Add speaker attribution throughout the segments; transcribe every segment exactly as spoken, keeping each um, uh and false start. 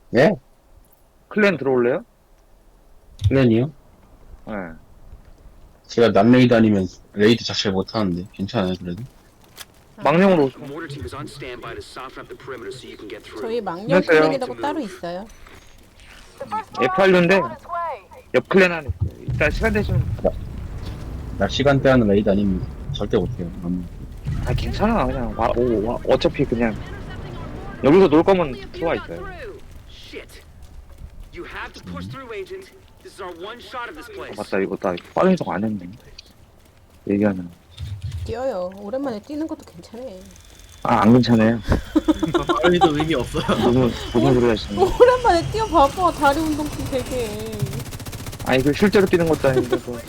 Speaker 1: 예?
Speaker 2: 클랜 들어올래요?
Speaker 1: 플랜이요?
Speaker 2: 네.
Speaker 1: 제가 남레이드 아니면 레이드 자체를 못하는데 괜찮아요 그래도?
Speaker 2: 망령으로
Speaker 3: The
Speaker 2: 오세요.
Speaker 3: mortar team is on standby to soften up the perimeter so you can get through.
Speaker 4: 저희 망령
Speaker 2: 안녕하세요.
Speaker 4: 클랜이라고 따로 있어요.
Speaker 2: 에프알류인데 옆 클랜 안에 있어요. 일단 시간 되시면
Speaker 1: 나 시간대 하는 레이드 아닙니다. 절대 못해요. 음.
Speaker 2: 아 괜찮아 그냥 와, 오, 와, 어차피 그냥 여기서 놀 거면 들어와 있어요.
Speaker 3: Shit. You have to push through, Agent. This is our one shot of this
Speaker 2: 아,
Speaker 3: place.
Speaker 2: 맞다 이거 나 빠른 척 안 했네. 얘기하면
Speaker 4: 뛰어요. 오랜만에 뛰는 것도 괜찮아.
Speaker 2: 아 안 괜찮아요.
Speaker 5: 빨리도 의미 없어요.
Speaker 2: 무슨 무슨 소리 하시는 거?
Speaker 4: 오랜만에 뛰어봐봐. 다리 운동 좀 되게.
Speaker 2: 아니 그 실제로 뛰는 것도 아닌데 뭐.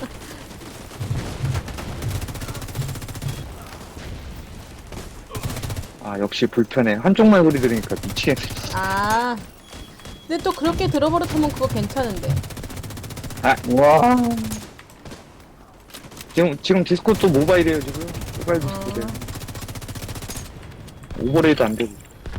Speaker 2: 아 역시 불편해. 한쪽만 소리 들으니까 미치겠네.
Speaker 4: 아. 근데 또 그렇게 들어버릇하면 그거 괜찮은데.
Speaker 2: 아 와. 지금 지금 디스코 또 모바일이에요 지금. 모바일 디스코래. 오버레이드 안 되고.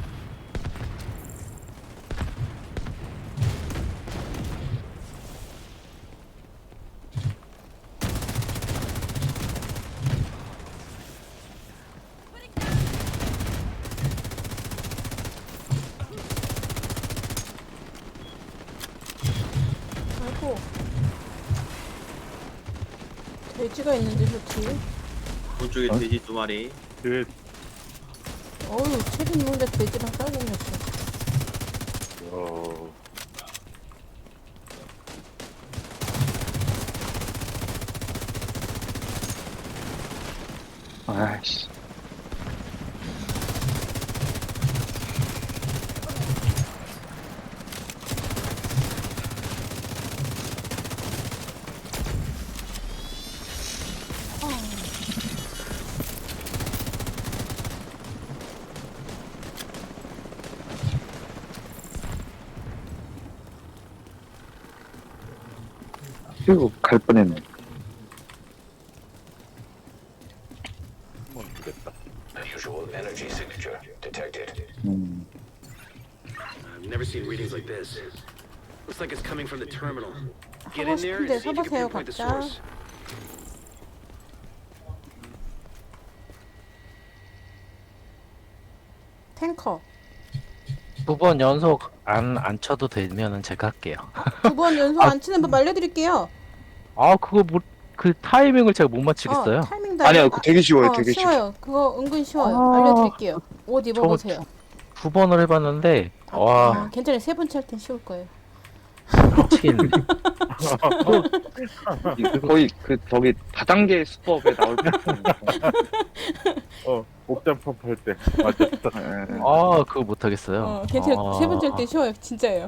Speaker 4: 아이고. 돼지가 있는데 좋지.
Speaker 5: 오쪽에
Speaker 2: 어?
Speaker 5: 돼지 두 마리.
Speaker 6: 그
Speaker 4: 어우, 책 있는데 돼지랑 싸우고 있어.
Speaker 6: 어,
Speaker 2: 아이씨. 그리고 갈 뻔했네.
Speaker 6: 한번 주겠다.
Speaker 7: Unusual energy signature detected.
Speaker 2: 음.
Speaker 3: I've never seen readings like this. Looks like it's coming from the terminal. Get
Speaker 4: 하고
Speaker 3: in there and
Speaker 4: 싶은데
Speaker 3: see if you can
Speaker 4: 서보세요,
Speaker 3: pinpoint the
Speaker 4: 각자.
Speaker 3: source.
Speaker 4: 탱커.
Speaker 8: 두 번 연속 안, 안 쳐도 되면은 제가 할게요.
Speaker 4: 두 번 연속 안 치는 법 알려드릴게요.
Speaker 8: 아, 그거 뭐, 그 타이밍을 제가 못 맞추겠어요.
Speaker 4: 어, 타이밍도
Speaker 2: 아니요,
Speaker 4: 알려-
Speaker 2: 그 되게 쉬워요,
Speaker 4: 어,
Speaker 2: 되게 쉬워.
Speaker 4: 쉬워요. 그거 은근 쉬워요.
Speaker 8: 아.
Speaker 4: 알려드릴게요. 옷 입어보세요.
Speaker 8: 두 번을 해봤는데, 와,
Speaker 4: 아, 괜찮아요. 세 번째 할 땐 쉬울 거예요.
Speaker 8: 미치겠네.
Speaker 2: 그 거의 그 저기 다단계 수법에 나올 것 같은.
Speaker 6: 어, 옥잠펌 할 때. 맞았다.
Speaker 2: 예.
Speaker 8: 아, 그거 못하겠어요.
Speaker 4: 어, 괜찮아요.
Speaker 8: 아,
Speaker 4: 세 번째 할 땐 쉬워요. 진짜예요.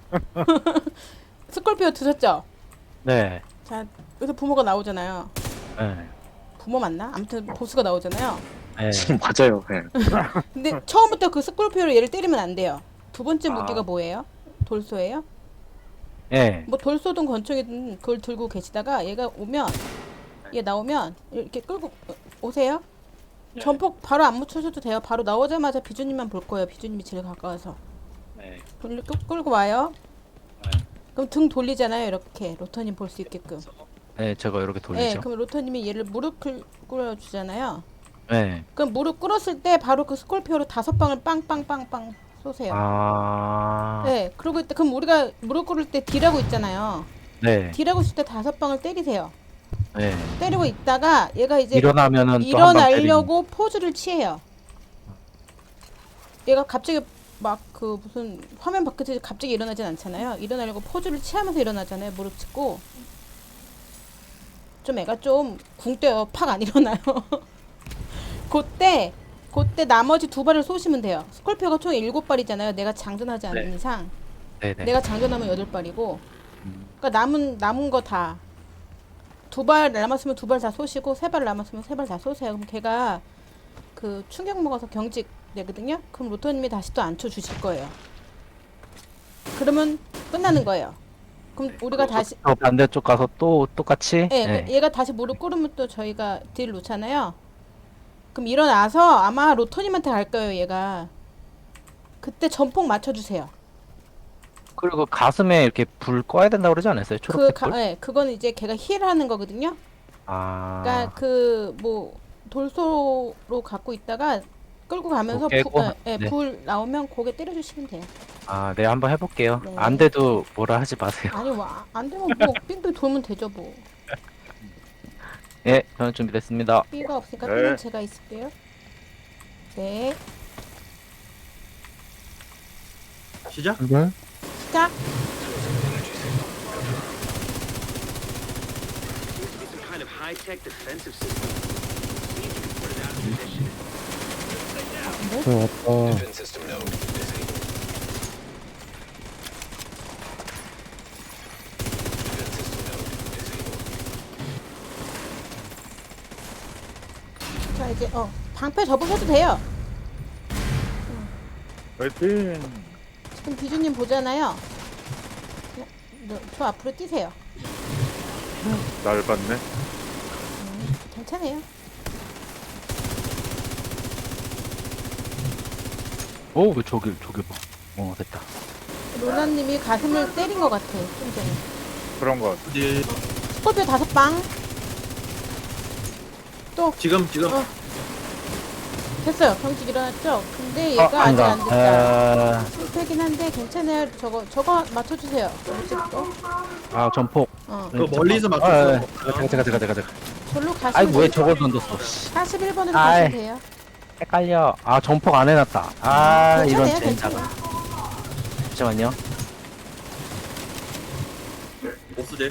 Speaker 4: 스콜피오 드셨죠?
Speaker 8: 네.
Speaker 4: 자, 여기서 부모가 나오잖아요.
Speaker 8: 네.
Speaker 4: 부모 맞나? 아무튼 보스가 나오잖아요.
Speaker 8: 네.
Speaker 2: 맞아요. 예.
Speaker 4: 근데 처음부터 그 스콜피오로 얘를 때리면 안 돼요. 두 번째
Speaker 8: 아.
Speaker 4: 무기가 뭐예요? 돌소예요?
Speaker 8: 네.
Speaker 4: 뭐 돌소든 권총이든 그걸 들고 계시다가 얘가 오면 얘 나오면 이렇게 끌고 어, 오세요. 전폭 바로 안 묻혀줘도 돼요. 바로 나오자마자 비주님만 볼 거예요. 비주님이 제일 가까워서
Speaker 8: 네.
Speaker 4: 끌, 끌, 끌고 와요.
Speaker 8: 네.
Speaker 4: 그럼 등 돌리잖아요. 이렇게 로터님 볼 수 있게끔.
Speaker 8: 네, 제가 이렇게
Speaker 4: 네,
Speaker 8: 돌리죠.
Speaker 4: 그럼 로터님이 얘를 무릎 꿇- 꿇어주잖아요.
Speaker 8: 네.
Speaker 4: 그럼 무릎 꿇었을 때 바로 그 스콜피오로 다섯 방을 빵빵빵빵 쏘세요.
Speaker 8: 아,
Speaker 4: 네, 그러고 있다. 그럼 우리가 무릎 꿇을 때 D라고 있잖아요.
Speaker 8: 네.
Speaker 4: D라고 있을 때 다섯 방을 때리세요.
Speaker 8: 네.
Speaker 4: 때리고 있다가 얘가 이제
Speaker 8: 일어나면은 또
Speaker 4: 일어나려고 포즈를 취해요. 얘가 갑자기 막 그 무슨 화면 밖에서 갑자기 일어나진 않잖아요. 일어나려고 포즈를 취하면서 일어나잖아요. 무릎 꿇고. 좀 애가 좀 궁때요. 팍 안 일어나요. 그때 그때 나머지 두 발을 쏘시면 돼요. 스콜피오가 총 일곱 발이잖아요. 내가 장전하지 않는
Speaker 8: 네.
Speaker 4: 이상.
Speaker 8: 네, 네.
Speaker 4: 내가 장전하면 여덟 발이고.
Speaker 8: 음.
Speaker 4: 그러니까 남은 남은 거 다. 두 발 남았으면 두 발 다 쏘시고 세 발 남았으면 세 발 다 쏘세요. 그럼 걔가 그 충격 먹어서 경직 되거든요. 그럼 로또님이 다시 또 안쳐 주실 거예요. 그러면 끝나는 거예요. 그럼 우리가 다시
Speaker 8: 저 반대쪽 가서 또 똑같이.
Speaker 4: 예,
Speaker 8: 네.
Speaker 4: 얘가 다시 무릎 꿇으면 또 저희가 딜 놓잖아요. 그럼 일어나서 아마 로토님한테 갈 거예요, 얘가. 그때 전폭 맞춰주세요.
Speaker 8: 그리고 가슴에 이렇게 불 꺼야 된다고 그러지 않았어요?
Speaker 4: 그
Speaker 8: 초록색
Speaker 4: 가,
Speaker 8: 불?
Speaker 4: 예, 그거는 이제 걔가 힐하는 거거든요.
Speaker 8: 아.
Speaker 4: 그러니까 그 뭐 돌소로 갖고 있다가 끌고 가면서
Speaker 8: 그거
Speaker 4: 불,
Speaker 8: 깨고?
Speaker 4: 예, 예,
Speaker 8: 네.
Speaker 4: 불 나오면 고개 때려주시면 돼요.
Speaker 8: 아, 네, 한번 해볼게요.
Speaker 4: 네.
Speaker 8: 안 돼도 뭐라 하지 마세요.
Speaker 4: 아니 와, 안 되면 뭐 빙빙 돌면 되죠 뭐.
Speaker 8: 예, 저는 준비됐습니다.
Speaker 4: B가 없으니까
Speaker 6: 네.
Speaker 4: B는 제가 있을게요. 네,
Speaker 5: 시작.
Speaker 6: 출발.
Speaker 4: 시작.
Speaker 3: It's some kind of high-tech defensive system. See if you can put it out of position.
Speaker 6: 저 왔다.
Speaker 7: Defense system node disabled. Defense system node disabled.
Speaker 4: 자 이제 어 방패 접으셔도 돼요.
Speaker 6: 파이팅.
Speaker 4: 지금 비주님 보잖아요. 어, 너, 저 앞으로 뛰세요.
Speaker 6: 날 봤네.
Speaker 4: 음, 괜찮아요.
Speaker 8: 오, 왜 저길, 저길 봐. 어, 됐다.
Speaker 4: 로나님이 가슴을 때린 것 같아. 좀 전에.
Speaker 6: 그런 거.
Speaker 5: 네.
Speaker 4: 스콜피오 다섯 방. 또
Speaker 5: 지금 지금
Speaker 4: 어. 됐어요. 병직 일어났죠? 근데
Speaker 8: 아,
Speaker 4: 얘가 아직
Speaker 8: 아니다.
Speaker 4: 안 됐다.
Speaker 8: 아,
Speaker 4: 실패긴 한데 괜찮아요. 저거 저거 맞춰주세요. 어찌부터?
Speaker 8: 아, 전폭.
Speaker 4: 어.
Speaker 5: 그 멀리서
Speaker 8: 아,
Speaker 5: 맞췄어.
Speaker 8: 아, 제가, 제가, 제가, 제가, 제가.
Speaker 4: 절로 가시면
Speaker 8: 아이고, 왜
Speaker 4: 돼요.
Speaker 8: 저걸 던졌어, 씨.
Speaker 4: 사십일 번으로
Speaker 8: 아이.
Speaker 4: 가시면 돼요.
Speaker 8: 헷갈려. 아, 전폭 안 해놨다. 아, 이런
Speaker 4: 괜찮아요.
Speaker 8: 젠장.
Speaker 4: 괜찮아요.
Speaker 8: 잠시만요.
Speaker 5: 보스제.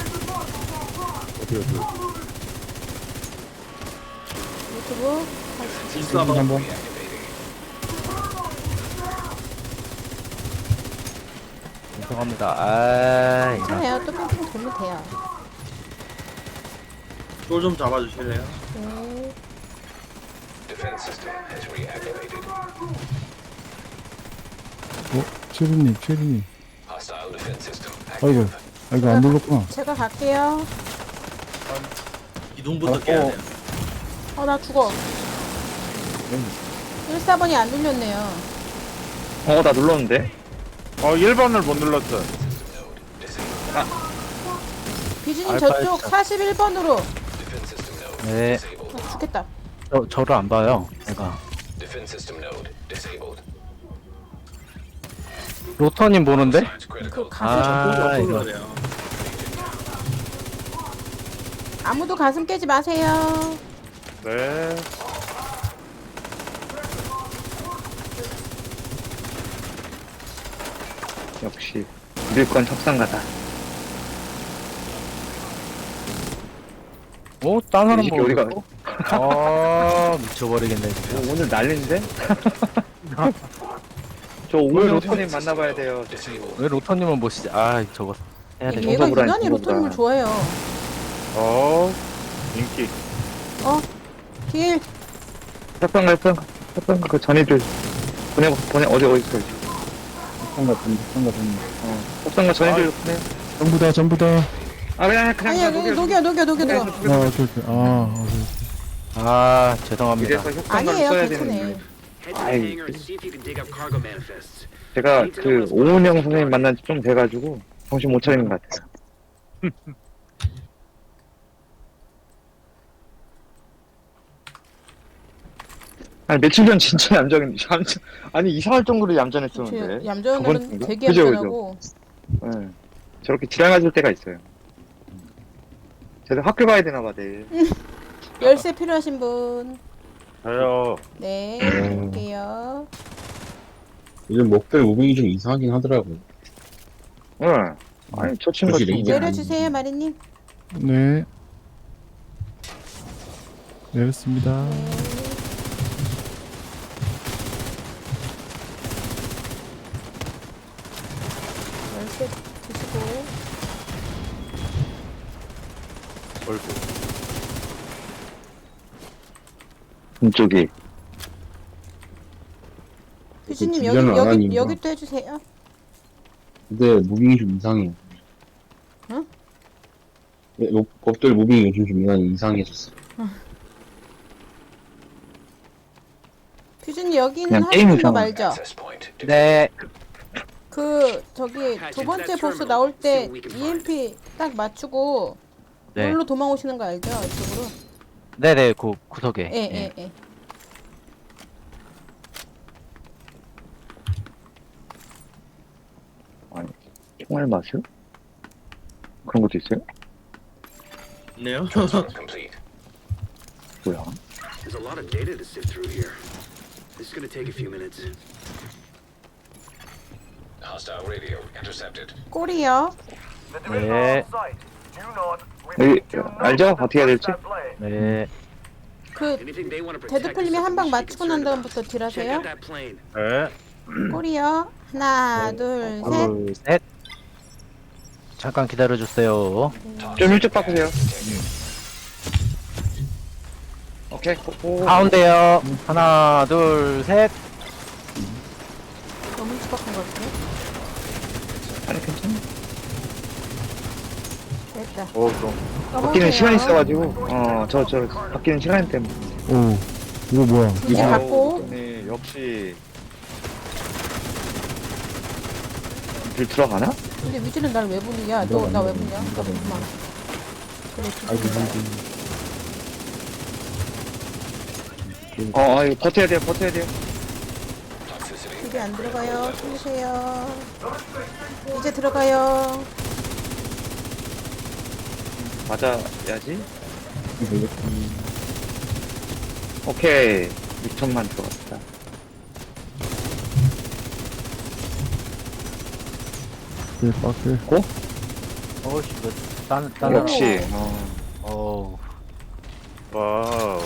Speaker 6: 어디 어디.
Speaker 4: 유튜브
Speaker 5: 일사번.
Speaker 6: 한번.
Speaker 8: 죄송합니다. 아, 이런.
Speaker 4: 괜찮아요. 또 뺑뺑 돌면 돼요.
Speaker 5: 쫄좀 잡아주실래요?
Speaker 4: 네.
Speaker 7: Defense system has reactivated.
Speaker 9: 어? 최루님, 최루님.
Speaker 7: Hostile defense system
Speaker 9: 아이고,
Speaker 7: active.
Speaker 9: 아이고, 안 눌렀구나.
Speaker 4: 제가 갈게요.
Speaker 5: 기둥부터
Speaker 6: 아,
Speaker 5: 깨야
Speaker 6: 어.
Speaker 5: 돼요.
Speaker 4: 어, 나 죽어. 일사 번이 안 눌렸네요.
Speaker 2: 어, 나 눌렀는데.
Speaker 6: 어 일 번을 못 눌렀어.
Speaker 7: System node disabled.
Speaker 4: 비주님
Speaker 8: 알파
Speaker 4: 저쪽
Speaker 8: 일사.
Speaker 4: 사십일 번으로.
Speaker 7: Defense system node
Speaker 8: 네.
Speaker 7: disabled.
Speaker 4: 아, 죽겠다.
Speaker 8: 저, 저를 안 봐요. 제가.
Speaker 7: Defense system node disabled.
Speaker 8: 로터님 보는데?
Speaker 7: Science critical.
Speaker 4: 그 가슴
Speaker 8: 아,
Speaker 5: 쫄
Speaker 8: 이거.
Speaker 5: 그래요.
Speaker 4: 아무도 가슴 깨지 마세요.
Speaker 6: 네.
Speaker 2: 역시 밀건 협상가다.
Speaker 8: 오, 딴 사람
Speaker 2: 이게
Speaker 8: 보고.
Speaker 2: 우리가
Speaker 8: 아, 미쳐버리겠네, 진짜.
Speaker 2: 오, 오늘 난리인데? 저 오늘 로터님 만나봐야 돼요. 저 친구.
Speaker 8: 왜 로터님은 보시지? 아, 저거 해야 돼.
Speaker 4: 얘가
Speaker 2: 정보보다
Speaker 4: 유난히
Speaker 2: 정보보다.
Speaker 4: 로터님을 좋아해요.
Speaker 6: 어 인기.
Speaker 4: 길.
Speaker 2: 협상가 협상가 협상가 그 전이들 보내 보내 어디 어디 있어?
Speaker 9: 상가 된다, 상가 된다.
Speaker 2: 어 협상가 전이들 보내.
Speaker 9: 전부 다, 전부 다.
Speaker 2: 아 그냥 그냥
Speaker 4: 아니야,
Speaker 2: 그냥
Speaker 4: 녹여, 녹여, 녹여, 녹여.
Speaker 9: 아, 오케이, 오케이. 아, 오케이.
Speaker 8: 아, 죄송합니다.
Speaker 2: 이래서 협상가를
Speaker 4: 아니에요,
Speaker 2: 써야
Speaker 4: 괜찮아요.
Speaker 2: 되는데.
Speaker 3: Head to the
Speaker 2: 아이,
Speaker 3: hangar and see if you can dig up cargo manifests.
Speaker 2: 제가 그 오은영 선생님 만난 지 좀 돼가지고 정신 못 차리는 것 같아요. 아니 며칠 전 진짜 얌전, 얌전 아니 이상할 정도로 얌전했었는데.
Speaker 4: 제 얌전한
Speaker 2: 저번
Speaker 4: 날은
Speaker 2: 주인가?
Speaker 4: 되게
Speaker 2: 그죠, 그죠.
Speaker 4: 얌전하고.
Speaker 2: 네. 저렇게 지랄맞을 때가 있어요. 쟤도 학교 가야 되나 봐 내일.
Speaker 4: 열쇠 필요하신 분.
Speaker 6: 저요.
Speaker 4: 네,
Speaker 8: 음.
Speaker 4: 볼게요.
Speaker 1: 요즘 목별 무빙이 좀 이상하긴 하더라고요.
Speaker 2: 응. 아니 저 친구가
Speaker 1: 그지,
Speaker 2: 좀
Speaker 1: 레이저.
Speaker 4: 내려주세요, 마리님.
Speaker 9: 네. 내렸습니다.
Speaker 4: 네. 열쇠 드시고.
Speaker 6: 얼굴.
Speaker 2: 이쪽이.
Speaker 4: 비주님
Speaker 1: 그
Speaker 4: 여기
Speaker 1: 뒷면은 안
Speaker 4: 여기
Speaker 1: 하니까.
Speaker 4: 여기 또 해주세요.
Speaker 1: 근데 무빙이 좀 이상해요.
Speaker 4: 응?
Speaker 1: 네, 목- 목별 무빙이 요즘 좀 많이 이상해졌어.
Speaker 4: 비주님 여기는
Speaker 2: 그냥
Speaker 4: 하시는 법
Speaker 2: 게임이잖아.
Speaker 4: 알죠?
Speaker 7: Access point.
Speaker 8: 네.
Speaker 4: 그 저기 두 번째 보스 나올 때 이엠피 딱 맞추고
Speaker 8: 네.
Speaker 4: 여기로 도망오시는 거 알죠? 이쪽으로.
Speaker 8: 네네, 그 구석에.
Speaker 4: 예, 예, 예.
Speaker 2: 아니, 총알 맛을? 그런 것도 있어요?
Speaker 5: 있네요.
Speaker 7: Transport complete.
Speaker 2: 뭐야?
Speaker 3: There's a lot of data to sift through here. This is gonna take a few minutes.
Speaker 7: Hostile radio intercepted.
Speaker 4: 꼬리요.
Speaker 8: 네.
Speaker 2: 여기 알죠? 어떻게 해야 될지?
Speaker 8: 네.
Speaker 4: 그
Speaker 3: Anything they want to protect.
Speaker 4: 데드풀님이
Speaker 3: is
Speaker 4: 한 방
Speaker 3: something we should be
Speaker 4: 맞추고 난
Speaker 3: concerned about.
Speaker 4: 다음부터
Speaker 3: Check
Speaker 4: 딜하세요.
Speaker 3: out that plane.
Speaker 6: 네.
Speaker 4: 꼬리요. 하나, 둘, 셋.
Speaker 8: 둘, 셋. 잠깐 기다려주세요.
Speaker 2: 좀 일찍 바꾸세요. 오케이. 오,
Speaker 8: 가운데요. 하나, 둘, 셋.
Speaker 4: 너무 일찍 바꾼 것 같은데?
Speaker 2: 아니 괜찮아.
Speaker 4: 됐다.
Speaker 6: 어, 좀.
Speaker 2: 바뀌는 시간이 있어가지고 어 저 저 바뀌는 시간 때문에.
Speaker 9: 오, 이거 뭐야?
Speaker 4: 이제 갖고.
Speaker 2: 네, 역시 길 들어가나?
Speaker 4: 근데 위즈는 날 왜 보느냐? 너 나 왜 보냐? 나 보구만. 그래,
Speaker 9: 아이고,
Speaker 4: 비즈는
Speaker 9: 아이고.
Speaker 2: 어, 어 이거 버텨야 돼요, 버텨야 돼요.
Speaker 7: Toxicity.
Speaker 4: 이게 안 들어가요. 숨으세요. 이제 들어가요.
Speaker 2: 맞아야지. 오케이. 육천만 들어갔다.
Speaker 9: 네, 빠크.
Speaker 8: 어씨, 이거 딴, 딴.
Speaker 2: 역시. 어.
Speaker 8: 어우.
Speaker 6: 와우.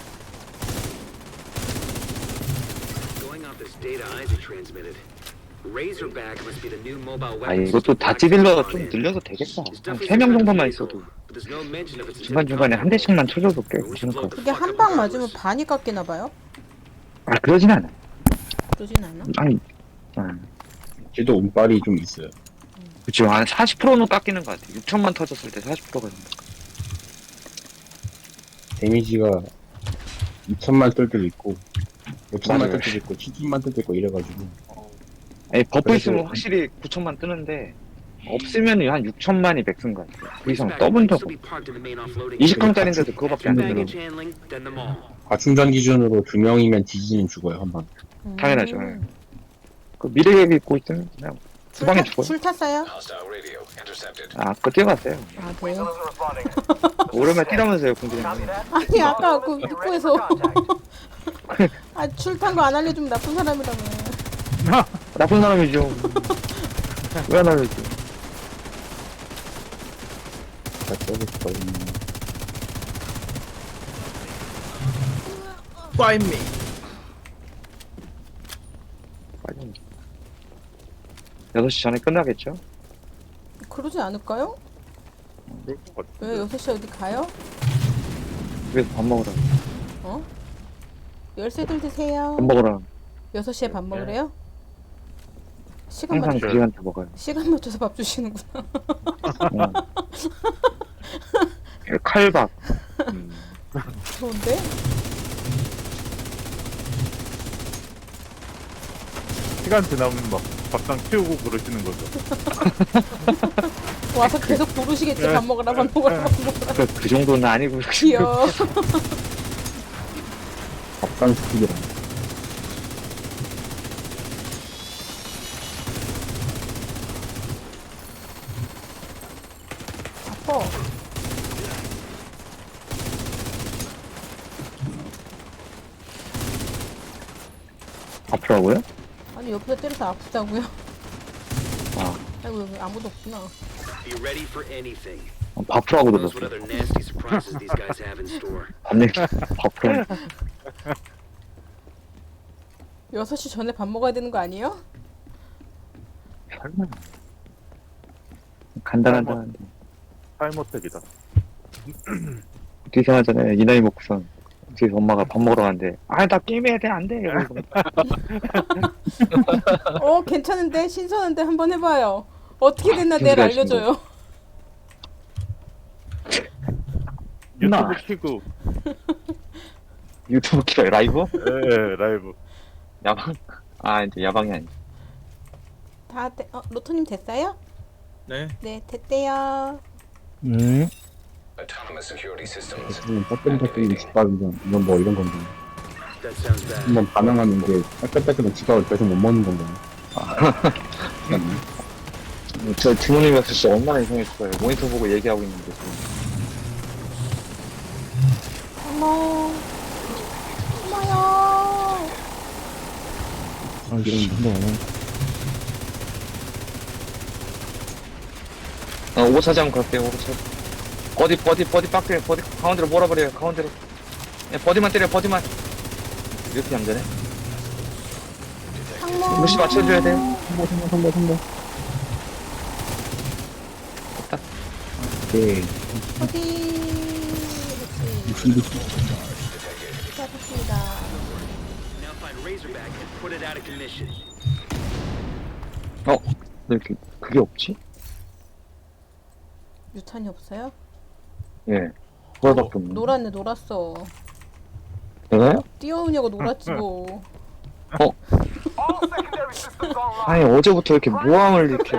Speaker 3: Going off this data Isaac transmitted. Razorback must be the new mobile weapon.
Speaker 2: 아 이것도 다 찌질러 좀 늘려도 되겠다. 한 세 명 정도만 있어도 중간 중간에 한 대씩만 쳐줘도 꽤 괜찮을 것 같아.
Speaker 4: 그게 한 방 맞으면 반이 깎이나 봐요?
Speaker 2: 아 그러진 않아.
Speaker 4: 그러진 않아.
Speaker 2: 아니, 아,
Speaker 1: 쟤도 운빨이 좀 있어요.
Speaker 2: 그쵸. 한 사십 퍼센트는 깎이는 것 같아. 육천만 터졌을 때 사십 퍼센트가.
Speaker 1: 데미지가 이천만 뜰 때도 있고, 오천만
Speaker 2: 맞아요.
Speaker 1: 뜰 때도 있고, 칠천만 뜰 때도 있고 이래가지고.
Speaker 2: 아니 버프
Speaker 1: 그래도-
Speaker 2: 있으면 확실히 구천만 뜨는데 없으면 한 육천만이 맥스인 것 같아. 그 이상 떠본 적 없어. 이십 강짜리인데도 그거밖에 안 되더라고.
Speaker 1: 과충전 기준으로 두 명이면 디지는 죽어요, 한 방.
Speaker 4: 음.
Speaker 2: 당연하죠. 그 미래계획 입고 있으면 그냥
Speaker 4: 줄,
Speaker 2: 주방에
Speaker 4: 타,
Speaker 2: 죽어요.
Speaker 4: 줄 탔어요?
Speaker 7: Hostile radio intercepted.
Speaker 2: 아, 그거 뛰어갔어요.
Speaker 4: 아, 네.
Speaker 2: 오랜만에 뛰라면서요, 공주님.
Speaker 4: 아니, 아까 그 입구에서. 아, 줄 탄 거 안 알려주면 나쁜 사람이라며.
Speaker 2: 나쁜 사람이죠. 왜 안 알려줘?
Speaker 1: 다 써고 싶거든요.
Speaker 5: Find me.
Speaker 2: 빨리. 여섯 시 전에 끝나겠죠?
Speaker 4: 그러지 않을까요?
Speaker 6: 그럴 것 같아.
Speaker 4: 왜 여섯 시에 어디 가요?
Speaker 2: 집에서 밥 먹으라.
Speaker 4: 어? 열쇠들 드세요.
Speaker 2: 밥 먹으라.
Speaker 4: 여섯 시에 밥 먹으래요? 시간
Speaker 2: 항상
Speaker 4: 맞춰
Speaker 2: 그 시간대 먹어요.
Speaker 4: 시간 맞춰서 밥 주시는구나.
Speaker 2: 어. 칼밥. 음.
Speaker 4: 좋은데?
Speaker 6: 시간 지나면 막 밥상 치우고 그러시는 거죠.
Speaker 4: 와서 계속 부르시겠지. 밥 먹으라, 밥 먹으라, 밥 먹으라.
Speaker 2: 그, 그 정도는 아니고.
Speaker 4: 귀여워.
Speaker 1: 밥상 스틱이랑.
Speaker 4: 아파.
Speaker 2: 아프라고요?
Speaker 4: 아니, 옆에서 때려서 아프다고요?
Speaker 2: 아,
Speaker 4: 아이고, 여기 아무도 없구나.
Speaker 3: Be ready for anything.
Speaker 2: 어, 밥프라고
Speaker 3: Who knows what
Speaker 2: 들었어.
Speaker 3: other nasty surprises these guys have in store.
Speaker 2: 밥 얘기. 밥프라.
Speaker 4: 여섯 시 전에 밥 먹어야 되는 거 아니에요?
Speaker 2: 설마. 간단하다는데.
Speaker 6: 타임어택이다.
Speaker 2: 뒤에 하잖아요. 이 나이 먹고선. 뒤에서 엄마가 밥 먹으러 가는데, 아, 나 게임해야 돼, 안 돼. 이러고.
Speaker 4: 어, 괜찮은데? 신선한데? 한번 해봐요. 어떻게 됐나 내일
Speaker 2: 준비하신
Speaker 4: 알려줘요.
Speaker 2: 나.
Speaker 6: 유튜브 키고,
Speaker 2: 유튜브 키라요, 라이브?
Speaker 6: 예, 예, 라이브.
Speaker 2: 야방? 아, 이제 야방이 아니지.
Speaker 4: 다 돼. 어, 로토님 됐어요?
Speaker 5: 네.
Speaker 4: 네, 됐대요.
Speaker 9: 네.
Speaker 7: Autonomous security systems.
Speaker 1: 그냥 따끈따끈 집밥이건 이건 뭐 이런 건데.
Speaker 3: That sounds bad.
Speaker 1: 한번 반응하는 게 따끈따끈한 집밥을 계속 못 먹는 건데.
Speaker 2: 저 부모님이었을 때 얼마나 이상했어요. 모니터 보고 얘기하고 있는데.
Speaker 4: 어머. 어머요.
Speaker 9: 아, 이런 한번 안 해.
Speaker 2: 어, 오버차지 않고 갈게요, 오버차지. 버디, 버디, 버디 빡대, 버디, 가운데로 몰아버려요, 가운데로. 예, 버디만 때려, 버디만. 이렇게 하면 되네.
Speaker 4: 상모.
Speaker 2: 무시 맞춰줘야 돼요.
Speaker 1: 성공, 성공, 성공, 성공. 오케이.
Speaker 4: 어디? 시작했습니다.
Speaker 3: Now find Razorback and put it out of commission.
Speaker 2: 어? 왜 이렇게, 그게 없지?
Speaker 4: 유탄이 없어요?
Speaker 2: 예. 그거밖에 없네.
Speaker 4: 놀았네, 놀았어.
Speaker 2: 내가요?
Speaker 4: 뛰어오냐고 놀았지 뭐.
Speaker 2: 아니, 어제부터 이렇게 모함을 이렇게.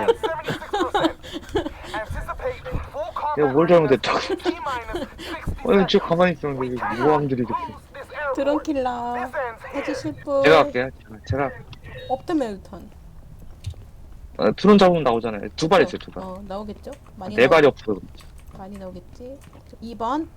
Speaker 2: 내가 뭘 잘못했다고. 어, 저 가만히 있었는데, 왜 모함들이 이렇게.
Speaker 4: 드론킬러 해주실 분.
Speaker 2: 제가 할게요, 제가. 제가.
Speaker 4: 없다며 유탄.
Speaker 2: 어, 드론 잡으면 나오잖아요. 두 발 있어요, 두 발.
Speaker 4: 어, 나오겠죠? 많이
Speaker 2: 네
Speaker 4: 나오-
Speaker 2: 발이 없어요.
Speaker 4: 많이 나오겠지. 이 번.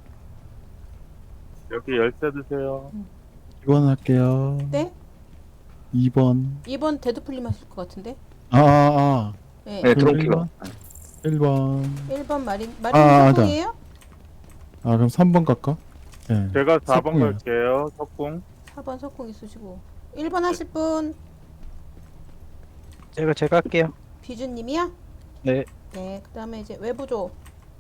Speaker 6: 여기 열쇠 드세요.
Speaker 9: 이 번 할게요.
Speaker 4: 네?
Speaker 9: 이 번.
Speaker 4: 이 번 데드풀림 하실 것 같은데.
Speaker 9: 아, 아, 아.
Speaker 4: 네.
Speaker 2: 네,
Speaker 9: 그럼
Speaker 2: 드론 킬러.
Speaker 9: 일 번.
Speaker 4: 일 번 마린
Speaker 9: 아,
Speaker 4: 마린
Speaker 9: 맞아.
Speaker 4: 성공이에요?
Speaker 9: 아, 그럼 삼 번 갈까? 네.
Speaker 6: 제가 사 번
Speaker 9: 석궁이요.
Speaker 6: 갈게요. 석궁.
Speaker 4: 사 번 석공 있으시고. 일 번 하실 분
Speaker 8: 제가 제가 할게요.
Speaker 4: 비주님이야?
Speaker 8: 네.
Speaker 4: 네. 그다음에 이제 외부조.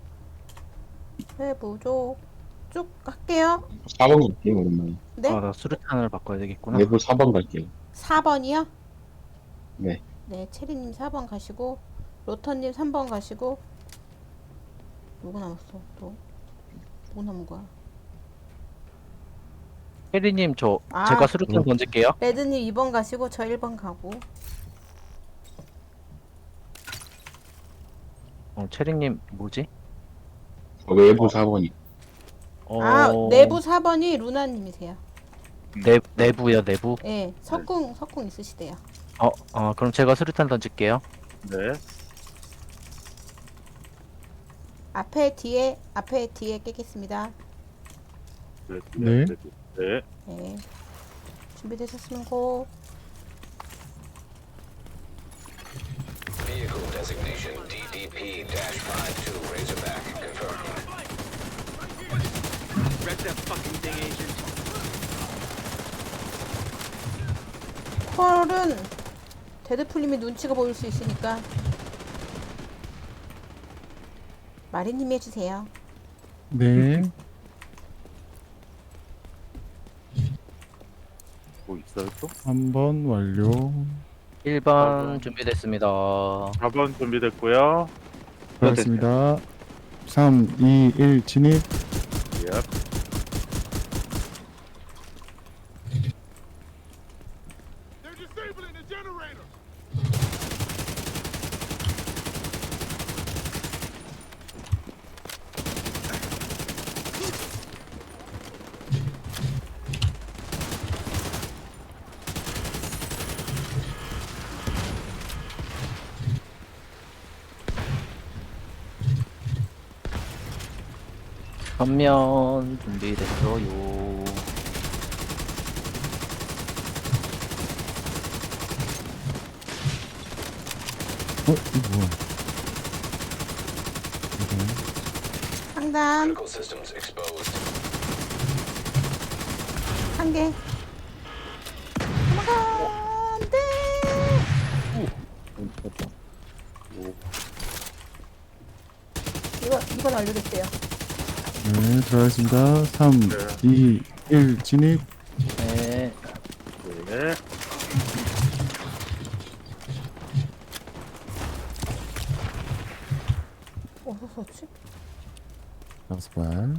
Speaker 4: 외부조 쭉 할게요.
Speaker 1: 사 번 갈게요, 오랜만에.
Speaker 4: 네.
Speaker 8: 아, 나 수류탄을 바꿔야 되겠구나.
Speaker 1: 내부 사 번 갈게요.
Speaker 4: 사 번이요?
Speaker 1: 네.
Speaker 4: 네, 체리님 사 번 가시고 로터님 삼 번 가시고 누구 남았어? 또 누구 남은 거야?
Speaker 8: 혜리님 저
Speaker 4: 아.
Speaker 8: 제가 수류탄 던질게요.
Speaker 4: 레드님 이 번 가시고 저 일 번 가고.
Speaker 8: 어, 체리님 뭐지?
Speaker 1: 외부 사 번이.
Speaker 8: 어,
Speaker 4: 아, 내부 사 번이 루나님이세요.
Speaker 8: 내 내부요 내부.
Speaker 4: 네, 석궁 석궁 있으시대요.
Speaker 8: 어, 어 그럼 제가 수류탄 던질게요.
Speaker 6: 네.
Speaker 4: 앞에 뒤에 앞에 뒤에 깨겠습니다.
Speaker 6: 네.
Speaker 9: 네.
Speaker 6: 네. 네.
Speaker 4: 네, 준비되셨으면 고.
Speaker 7: Vehicle designation D D P five two Razorback confirmed.
Speaker 3: Wreck that fucking thing, agent.
Speaker 4: 콜은 데드풀님이 눈치가 보일 수 있으니까 마리님이 해주세요.
Speaker 9: 네.
Speaker 6: 뭐 있어요 또?
Speaker 9: 삼 번 완료.
Speaker 8: 일 번 준비됐습니다.
Speaker 6: 사 번 준비됐고요.
Speaker 9: 들어갔습니다. 삼, 이, 일 진입.
Speaker 6: 예.
Speaker 8: 전면 준비됐어요.
Speaker 9: 어, 이거 뭐야?
Speaker 4: 상단
Speaker 7: Critical systems exposed.
Speaker 4: 한 개. 넘어가 안돼. 이거 이건 완료됐대요.
Speaker 9: 네, 들어가겠습니다. 삼, 이, 일 진입.
Speaker 8: 네.
Speaker 6: 네.
Speaker 4: 어디서 썼지?
Speaker 9: 다섯 발.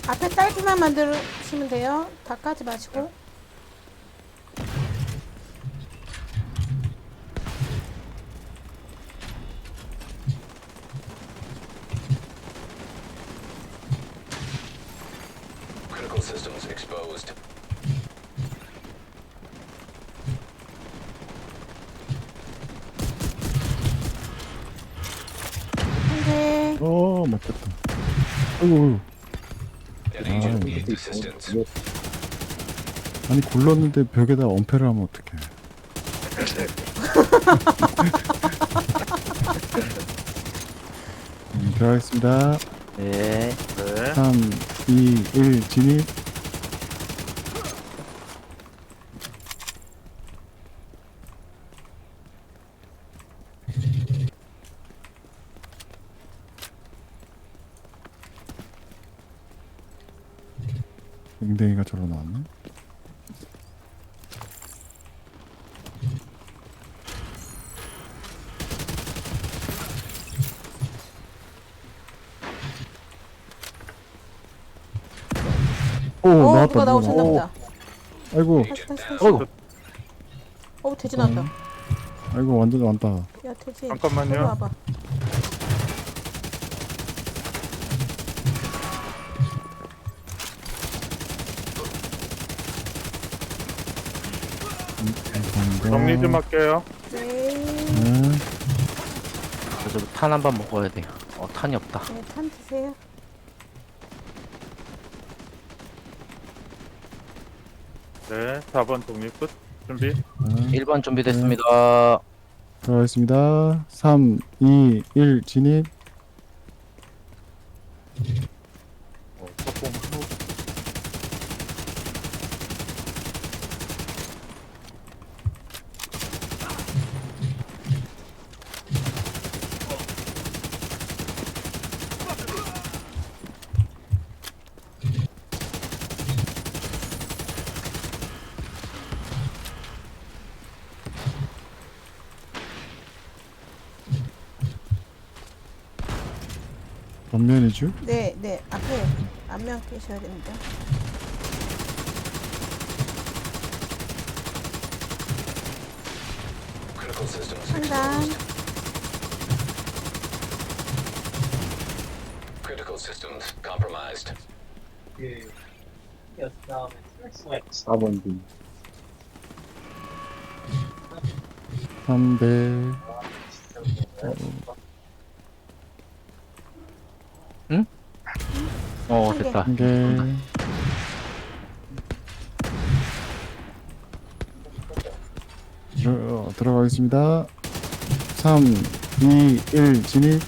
Speaker 4: 앞에 딸기만 만드시면 돼요. 다 까지 마시고.
Speaker 7: Critical systems exposed.
Speaker 4: 한대.
Speaker 9: 어, 맞겠다. 아이고,
Speaker 7: An agent
Speaker 9: Ah,
Speaker 7: needs assistance.
Speaker 9: 아니 굴렀는데 벽에다 엄폐를 하면 어떡해. 음, 들어가겠습니다.
Speaker 8: 네.
Speaker 6: 네.
Speaker 9: 삼, 이, 일, 진입. 댕댕이가 저러 나왔네. 오,
Speaker 4: 어,
Speaker 9: 나왔다.
Speaker 4: 누가 나오셨나
Speaker 9: 누가.
Speaker 4: 보다.
Speaker 9: 아이고,
Speaker 4: 다시, 다시, 다시.
Speaker 8: 어이구.
Speaker 4: 어, 돼지 나왔다.
Speaker 9: 아이고, 완전 많다.
Speaker 4: 야, 돼지.
Speaker 6: 잠깐만요.
Speaker 4: 이리 와봐.
Speaker 9: 감사합니다.
Speaker 6: 정리 좀 할게요.
Speaker 4: 네.
Speaker 9: 네.
Speaker 8: 저 탄 한 번 먹어야 돼요. 어, 탄이 없다.
Speaker 4: 네, 탄 드세요.
Speaker 6: 네. 사 번 독립 끝. 준비.
Speaker 9: 네.
Speaker 8: 일 번 준비됐습니다.
Speaker 9: 들어가겠습니다. 삼, 이, 일, 진입.
Speaker 6: 어, 석공 후.
Speaker 9: 전면이죠?
Speaker 4: 네, 네. 앞에 앞면 계셔야 됩니다.
Speaker 7: Critical systems
Speaker 4: 한단.
Speaker 7: exposed. Critical systems compromised.
Speaker 1: 사 번 중.
Speaker 9: 삼 대.
Speaker 8: 어,
Speaker 4: 한 개.
Speaker 8: 됐다.
Speaker 9: 한 개. 들어, 들어가겠습니다. 삼, 이, 일, 진입.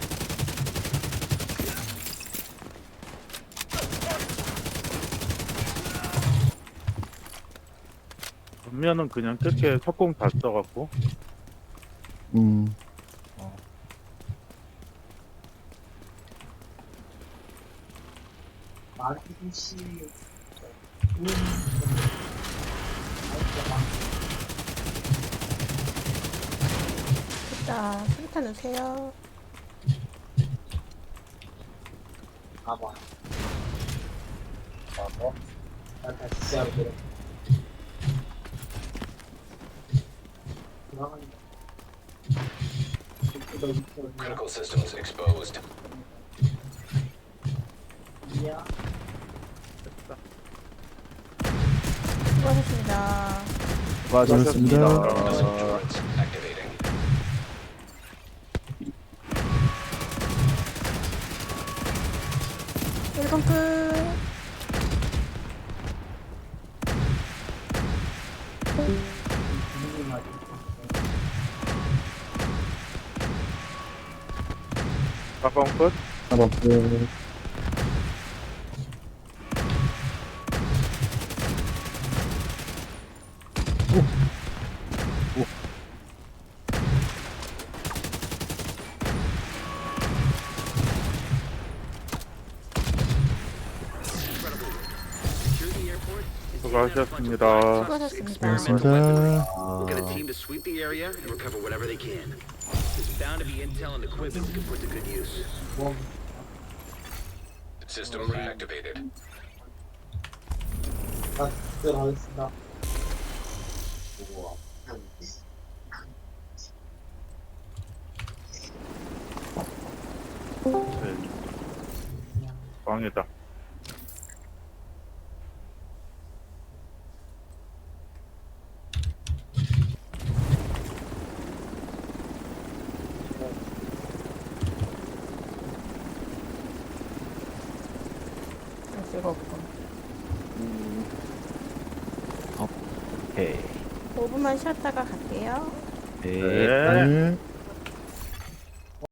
Speaker 6: 전면은 그냥 끝에 석공 다 써갖고.
Speaker 9: 음,
Speaker 4: 됐다. 수류탄 넣으세요.
Speaker 7: Critical systems exposed.
Speaker 4: 수고하셨습니다.
Speaker 9: 수고하셨습니다.
Speaker 7: Missile turrets activating.
Speaker 4: 일 번 끝.
Speaker 6: 사 번 끝.
Speaker 1: 사 번 끝.
Speaker 3: Secure the airport and
Speaker 6: 수고하셨습니다.
Speaker 4: 수고하셨습니다.
Speaker 9: 수고하셨습니다.
Speaker 3: We'll get a team to sweep the area and recover whatever they can. There's bound to be intel and equipment we can put to good use.
Speaker 7: System reactivated.
Speaker 6: 방해다.
Speaker 4: 쓸거 없고.
Speaker 8: 오케이.
Speaker 4: 오 분만 쉬었다가 갈게요.
Speaker 8: 네.
Speaker 6: 네.
Speaker 9: 네.